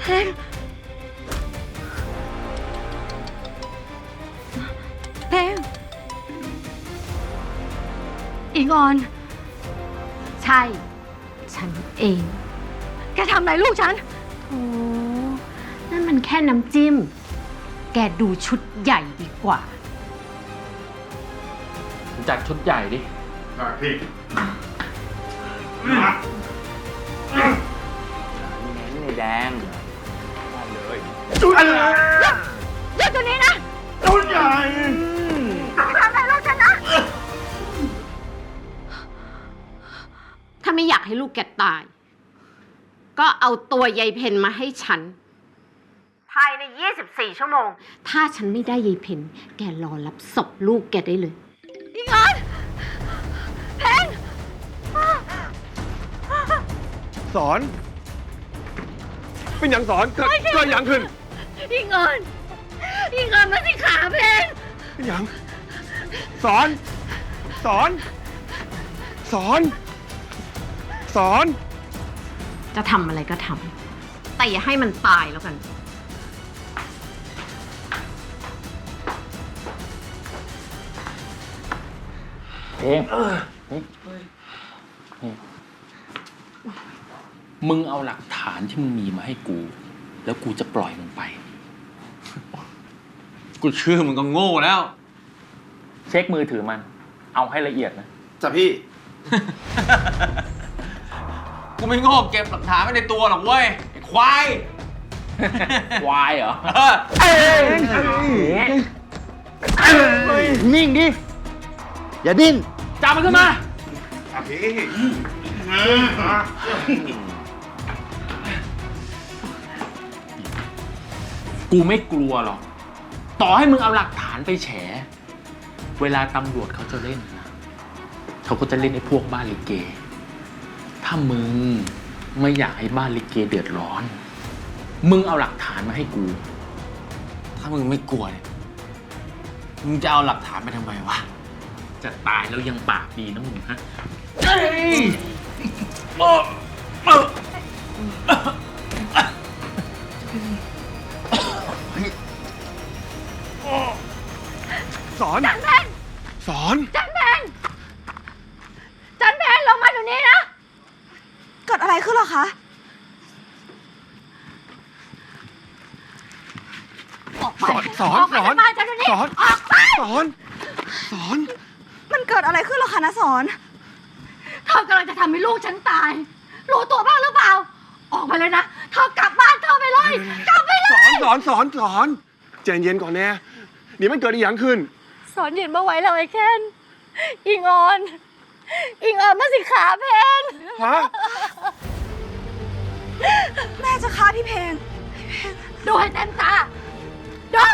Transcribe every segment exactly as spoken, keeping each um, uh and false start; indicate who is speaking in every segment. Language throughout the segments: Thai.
Speaker 1: เพลงเพลงอิงออนใช่ฉันเองแกทำอะไรลูกฉัน
Speaker 2: โอ้นั่นมันแค่น้ำจิ้มแกดูชุดใหญ่ดีกว่า
Speaker 3: จัดชุดใหญ่ดิ
Speaker 4: ได้พี่
Speaker 3: เน้นในแดงได้เลย
Speaker 4: ชุดอะไร
Speaker 1: หยุดหยุดตัวนี้นะ
Speaker 4: ชุดใหญ่
Speaker 1: ทำอะไรลูกฉันนะ
Speaker 2: ถ้าไม่อยากให้ลูกแกตายก็เอาตัวยายเพนมาให้ฉันภายในยี่สิบสี่ชั่วโมงถ้าฉันไม่ได้ยายเพนแกรอรับศพลูกแกได้เลย
Speaker 1: อิงออนเพลง
Speaker 4: สอนเป็นอย่างสอนเกิดเกิดอย่างขึ้น
Speaker 1: อิงออนอิงออนมาสิขาเพลง
Speaker 4: เป็นอย่างสอนสอนสอนสอน
Speaker 2: จะทำอะไรก็ทำแต่อย่าให้มันตายแล้วกัน
Speaker 3: เองมึงเอาหลักฐานที่มึงมีมาให้กู แล้วกูจะปล่อยมึงไป
Speaker 5: กูเชื่อมึงก็โง่แล้ว
Speaker 3: เช็คมือถือมันเอาให้ละเอียดนะ
Speaker 5: จ้ะพี่ กูไม่โง่เก็บหลักฐานไว้ในตัวหรอกเว้ยไอ้ควาย
Speaker 3: ควายเหรอ
Speaker 6: นิ่งดิอย่าดิ้น
Speaker 3: จับมันขึ้นมา
Speaker 4: พี่
Speaker 3: กูไม่กลัวหรอกต่อให้มึงเอาหลักฐานไปแฉเวลาตำรวจเขาจะเล่นนะเขาก็จะเล่นไอ้พวกบ้านลิเกถ้ามึงไม่อยากให้บ้านลิเกเดือดร้อนมึงเอาหลักฐานมาให้กู
Speaker 5: ถ้ามึงไม่กลัวเนี่ยมึงจะเอาหลักฐานไปทำไมวะ
Speaker 3: จะตายแล้วยังปากดีนะมึงฮะ
Speaker 4: สอน
Speaker 1: จันเพน
Speaker 4: สอน
Speaker 1: จันเพนจันเพนลงมาเดี๋ยวนี้นะเกิดอะไรขึ้นหรอคะออกไป
Speaker 4: สอนสอน
Speaker 1: ออกไปจันเพน
Speaker 4: สอน
Speaker 1: ออกไป
Speaker 4: สอนสอน
Speaker 1: มันเกิดอะไรขึ้นหรอคะนะสอนเธอกำลังจะทำให้ลูกฉันตายรู้ตัวบ้างหรือเปล่าออกไปเลยนะเธอกลับบ้านเธอไปเลยกลับไปเลย
Speaker 4: สอนสอนสอนใจเย็นก่อนแน่เดี๋ยวมันเกิดอีกอย่างขึ้น
Speaker 1: สอนเย็นมาไว้แล้วไอ้แค้นอิงออนอิงออนมาสิขาเพน
Speaker 4: ฮะ
Speaker 1: แม่จะฆ่าพี่เพนดูให้เต็มตาดู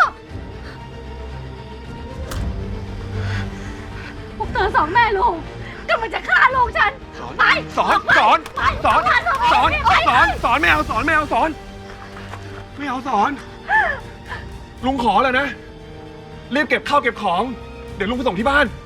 Speaker 1: พวกเธอสองแม่ลูกกำลังจะฆ่าลูกฉันไป
Speaker 4: สอนสอนสอนสอนสอนสอนไม่เอาสอนไม่เอาสอนไม่เอาสอนลุงขอแล้วนะรีบเก็บข้าวเก็บของเดี๋ยวลุงไปส่งที่บ้าน